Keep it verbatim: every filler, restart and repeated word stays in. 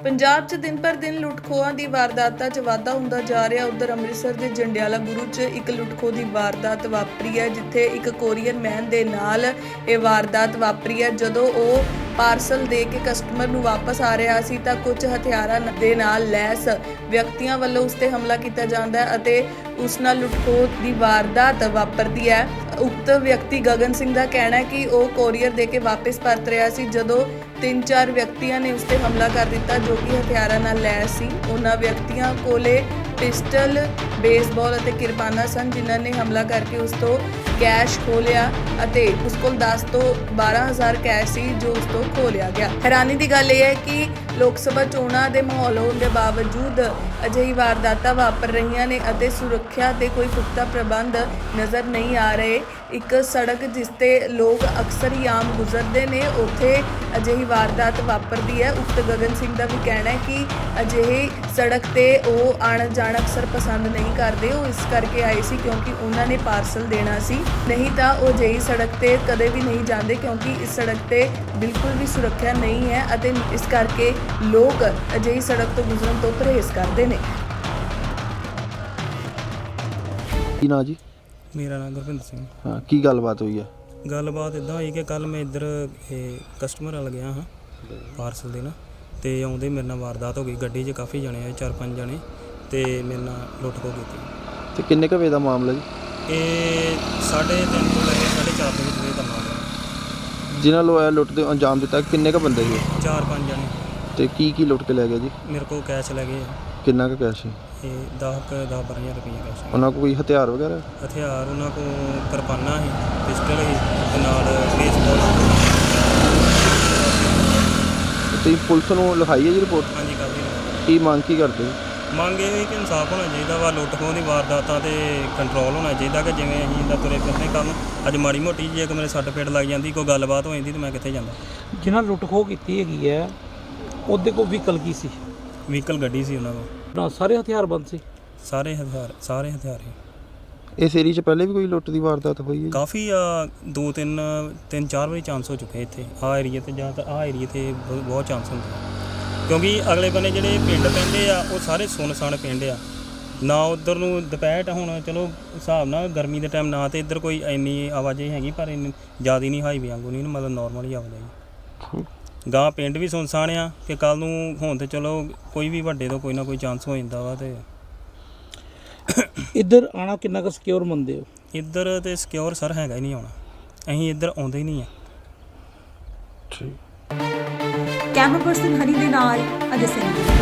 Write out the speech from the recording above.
ਪੰਜਾਬ 'ਚ ਦਿਨ ਪਰ ਦਿਨ ਲੁੱਟ-ਖੋਹਾਂ ਦੀ ਵਾਰਦਾਤਾਂ 'ਚ ਵਾਧਾ ਹੁੰਦਾ ਜਾ ਰਿਹਾ। ਉਧਰ ਅੰਮ੍ਰਿਤਸਰ ਦੇ ਜੰਡਿਆਲਾ ਗੁਰੂ 'ਚ ਇੱਕ ਲੁੱਟ-ਖੋਹ ਦੀ ਵਾਰਦਾਤ ਵਾਪਰੀ ਹੈ, ਜਿੱਥੇ ਇੱਕ ਕੋਰੀਅਰ ਮੈਨ ਦੇ ਨਾਲ ਇਹ ਵਾਰਦਾਤ ਵਾਪਰੀ ਹੈ। ਜਦੋਂ ਉਹ ਪਾਰਸਲ ਦੇ ਕੇ ਕਸਟਮਰ ਨੂੰ ਵਾਪਸ ਆ ਰਿਹਾ ਸੀ ਤਾਂ ਕੁਝ ਹਥਿਆਰਾਂ ਦੇ ਨਾਲ ਲੈਸ ਵਿਅਕਤੀਆਂ ਵੱਲੋਂ ਉਸ ਤੇ ਹਮਲਾ ਕੀਤਾ ਜਾਂਦਾ ਹੈ ਅਤੇ ਉਸ ਨਾਲ ਲੁੱਟ-ਖੋਹ ਦੀ ਵਾਰਦਾਤ ਵਾਪਰਦੀ ਹੈ। ਉਕਤ ਵਿਅਕਤੀ ਗਗਨ ਸਿੰਘ ਦਾ ਕਹਿਣਾ ਹੈ ਕਿ ਉਹ ਕੋਰੀਅਰ ਦੇ ਕੇ ਵਾਪਸ ਪਰਤ ਰਿਹਾ ਸੀ ਜਦੋਂ ਤਿੰਨ ਚਾਰ ਵਿਅਕਤੀਆਂ ਨੇ ਉਸ ਤੇ ਹਮਲਾ ਕਰ ਦਿੱਤਾ ਜੋ ਕਿ ਹਥਿਆਰਾਂ ਨਾਲ ਲੈਸ ਸੀ। ਉਹਨਾਂ ਵਿਅਕਤੀਆਂ ਕੋਲੇ ਪਿਸਟਲ, ਬੇਸਬਾਲ ਅਤੇ ਕਿਰਪਾਨਾਂ ਸਨ, ਜਿਨ੍ਹਾਂ ਨੇ ਹਮਲਾ ਕਰਕੇ ਉਸ ਤੋਂ ਕੈਸ਼ ਖੋਹ ਲਿਆ ਅਤੇ ਉਸ ਕੋਲ ਦਸ ਤੋਂ ਬਾਰਾਂ ਹਜ਼ਾਰ ਕੈਸ਼ ਸੀ ਜੋ ਉਸ ਤੋਂ ਖੋਹ ਲਿਆ ਗਿਆ। ਹੈਰਾਨੀ ਦੀ ਗੱਲ ਇਹ ਹੈ ਕਿ ਲੋਕ ਸਭਾ ਚੋਣਾਂ ਦੇ ਮਾਹੌਲ ਹੋਣ ਦੇ ਬਾਵਜੂਦ ਅਜਿਹੀ ਵਾਰਦਾਤਾਂ ਵਾਪਰ ਰਹੀਆਂ ਨੇ ਅਤੇ ਸੁਰੱਖਿਆ ਦੇ ਕੋਈ ਪੁਖਤਾ ਪ੍ਰਬੰਧ ਨਜ਼ਰ ਨਹੀਂ ਆ ਰਹੇ। ਇੱਕ ਸੜਕ ਜਿਸ ਤੇ ਲੋਕ ਅਕਸਰ ਹੀ ਆਮ ਗੁਜ਼ਰਦੇ ਨੇ, ਉੱਥੇ ਅਜਿਹੀ ਵਾਰਦਾਤ ਵਾਪਰਦੀ ਹੈ। ਉਕਤ ਗਗਨ ਸਿੰਘ ਦਾ ਵੀ ਕਹਿਣਾ ਹੈ ਕਿ ਅਜਿਹੀ ਸੜਕ ਤੇ ਉਹ ਆਉਣ ਜਾਣ ਅਕਸਰ ਪਸੰਦ ਨਹੀਂ ਕਰਦੇ। ਉਹ ਇਸ ਕਰਕੇ ਆਏ ਸੀ ਕਿਉਂਕਿ ਉਹਨਾਂ ਨੇ ਪਾਰਸਲ ਦੇਣਾ ਸੀ, ਨਹੀਂ ਤਾਂ ਉਹ ਅਜਿਹੀ ਸੜਕ ਤੇ ਕਦੇ ਵੀ ਨਹੀਂ ਜਾਂਦੇ ਕਿਉਂਕਿ ਇਸ ਸੜਕ ਤੇ ਬਿਲਕੁਲ ਵੀ ਸੁਰੱਖਿਆ ਨਹੀਂ ਹੈ ਅਤੇ ਇਸ ਕਰਕੇ ਲੋਕ ਅਜਿਹੀ ਸੜਕ ਤੋਂ ਗੁਜ਼ਰਨ ਤੋਂ ਪਰਹੇਜ਼ ਕਰਦੇ ਨੇ। ਕੀ ਨਾਂ ਜੀ? ਮੇਰਾ ਨਾਮ ਗੁਰਪਿੰਦਰ ਸਿੰਘ। ਹਾਂ, ਕੀ ਗੱਲਬਾਤ ਹੋਈ ਹੈ? ਗੱਲਬਾਤ ਇੱਦਾਂ ਹੋਈ ਕਿ ਕੱਲ ਮੈਂ ਇੱਧਰ ਇਹ ਕਸਟਮਰ ਵੱਲ ਗਿਆ ਹਾਂ ਪਾਰਸਲ ਦੇਣ, ਅਤੇ ਆਉਂਦੇ ਮੇਰੇ ਨਾਲ ਵਾਰਦਾਤ ਹੋ ਗਈ। ਗੱਡੀ 'ਚ ਕਾਫੀ ਜਣੇ ਆਏ, ਚਾਰ ਪੰਜ ਜਣੇ, ਅਤੇ ਮੇਰੇ ਨਾਲ ਲੁੱਟ ਖੋਹ ਕੀਤੀ। ਤੇ ਕਿੰਨੇ ਕੁ ਵਜੇ ਦਾ ਮਾਮਲਾ ਜੀ? ਇਹ ਸਾਢੇ ਤਿੰਨ ਤੋਂ ਲੈ ਕੇ ਸਾਢੇ ਚਾਰ ਦੇ ਵਿੱਚ ਇਹ ਕਰਨਾ ਹੋਇਆ। ਜਿਨ੍ਹਾਂ ਲੋ ਇਹ ਲੁੱਟ ਦੇ ਅੰਜਾਮ ਦਿੱਤਾ ਕਿੰਨੇ ਕੁ ਬੰਦੇ ਸੀ? ਚਾਰ ਪੰਜ ਜਣੇ। ਤੇ ਕੀ ਕੀ ਲੁੱਟ ਕੇ ਲੈ ਗਿਆ ਜੀ? ਮੇਰੇ ਕੋਲ ਕੈਸ਼ ਲੈ ਗਏ। ਕਿੰਨਾ ਕੁ ਕੈਸ਼ ਸੀ? ਇਹ ਦਸ ਕੁ ਦਸ ਬਾਰਾਂ ਹਜ਼ਾਰ ਰੁਪਈਆ ਕੈਸ਼ ਸੀ। ਉਹਨਾਂ ਕੋਲ ਕੋਈ ਹਥਿਆਰ ਵਗੈਰਾ? ਹਥਿਆਰ ਉਹਨਾਂ ਕੋਲ ਕਿਰਪਾਨਾਂ ਸੀ, ਪਿਸਟਲ ਸੀ ਤੇ ਨਾਲ ਬੇਸਬਾਲ। ਤੁਸੀਂ ਪੁਲਿਸ ਨੂੰ ਲਿਖਾਈ ਹੈ ਜੀ ਰਿਪੋਰਟ? ਹਾਂਜੀ, ਕਾਫੀ। ਕੀ ਮੰਗ ਕੀ ਕਰਦੇ? ਮੰਗ ਇਹ ਕਿ ਇਨਸਾਫ ਹੋਣਾ ਚਾਹੀਦਾ ਵਾ, ਲੁੱਟ ਖੋਹ ਦੀ ਵਾਰਦਾਤਾਂ 'ਤੇ ਕੰਟਰੋਲ ਹੋਣਾ ਚਾਹੀਦਾ ਕਿ ਜਿਵੇਂ ਅਸੀਂ ਇੱਦਾਂ ਤੁਰੇ ਫਿਰਦੇ ਕੰਮ ਅੱਜ ਮਾੜੀ ਮੋਟੀ ਜੇ ਕਿ ਮੇਰੇ ਸੱਟ ਫੇਟ ਲੱਗ ਜਾਂਦੀ, ਕੋਈ ਗੱਲਬਾਤ ਹੋ ਜਾਂਦੀ ਤਾਂ ਮੈਂ ਕਿੱਥੇ ਜਾਂਦਾ। ਜਿਨ੍ਹਾਂ ਲੁੱਟ ਖੋਹ ਕੀਤੀ ਹੈਗੀ ਹੈ ਉਹਦੇ ਕੋਲ ਵਹੀਕਲ ਕੀ ਸੀ? ਵਹੀਕਲ ਗੱਡੀ ਸੀ ਉਹਨਾਂ ਕੋਲ। ਨਾ ਸਾਰੇ ਹਥਿਆਰਬੰਦ ਸੀ? ਸਾਰੇ ਹਥਿਆਰ ਸਾਰੇ ਹਥਿਆਰ ਸੀ। ਇਸ ਏਰੀਏ 'ਚ ਪਹਿਲੇ ਵੀ ਕੋਈ ਲੁੱਟ ਦੀ ਵਾਰਦਾਤ ਹੋਈ ਹੈ? ਕਾਫੀ ਆ, ਦੋ ਤਿੰਨ ਤਿੰਨ ਚਾਰ ਵਾਰੀ ਚਾਂਸ ਹੋ ਚੁੱਕੇ ਇੱਥੇ ਆਹ ਏਰੀਏ 'ਤੇ, ਜਾਂ ਤਾਂ ਆਹ ਏਰੀਏ 'ਤੇ ਬਹੁਤ ਚਾਂਸ ਹੁੰਦੇ ਆ ਕਿਉਂਕਿ ਅਗਲੇ ਬੰਨੇ ਜਿਹੜੇ ਪਿੰਡ ਪੈਂਦੇ ਆ ਉਹ ਸਾਰੇ ਸੁੰਨਸਾਨ ਪਿੰਡ ਆ ਨਾ। ਉੱਧਰ ਨੂੰ ਦੁਪਹਿਰ ਹੁਣ ਚਲੋ ਹਿਸਾਬ ਨਾਲ ਗਰਮੀ ਦੇ ਟਾਈਮ ਨਾ ਤਾਂ ਇੱਧਰ ਕੋਈ ਇੰਨੀ ਆਵਾਜਾਈ ਹੈਗੀ, ਪਰ ਇੰਨੀ ਜ਼ਿਆਦਾ ਨਹੀਂ ਹਾਈਵੇ ਵਾਂਗੂ ਨਹੀਂ, ਮਤਲਬ ਨੋਰਮਲ ਹੀ ਆਵਾਜਾਈ। ਗਾਂ ਪਿੰਡ ਵੀ ਸੁੰਨਸਾਨ ਆ ਕਿ ਕੱਲ੍ਹ ਨੂੰ ਹੁਣ ਤਾਂ ਚਲੋ ਕੋਈ ਵੀ ਵੱਡੇ ਤੋਂ ਕੋਈ ਨਾ ਕੋਈ ਚਾਂਸ ਹੋ ਜਾਂਦਾ ਵਾ। ਅਤੇ ਇੱਧਰ ਆਉਣਾ ਕਿੰਨਾ ਕੁ ਸਿਕਿਉਰ ਮੰਨਦੇ ਹੋ? ਇੱਧਰ ਤਾਂ ਸਿਕਿਉਰ ਸਰ ਹੈਗਾ ਹੀ ਨਹੀਂ ਆਉਣਾ, ਅਸੀਂ ਇੱਧਰ ਆਉਂਦੇ ਹੀ ਨਹੀਂ ਆ। ਠੀਕ। ਕੈਮਰਾ ਪਰਸਨ ਹਨੀ ਦੇ ਨਾਲ ਅਜੇ ਸਿੰਘ।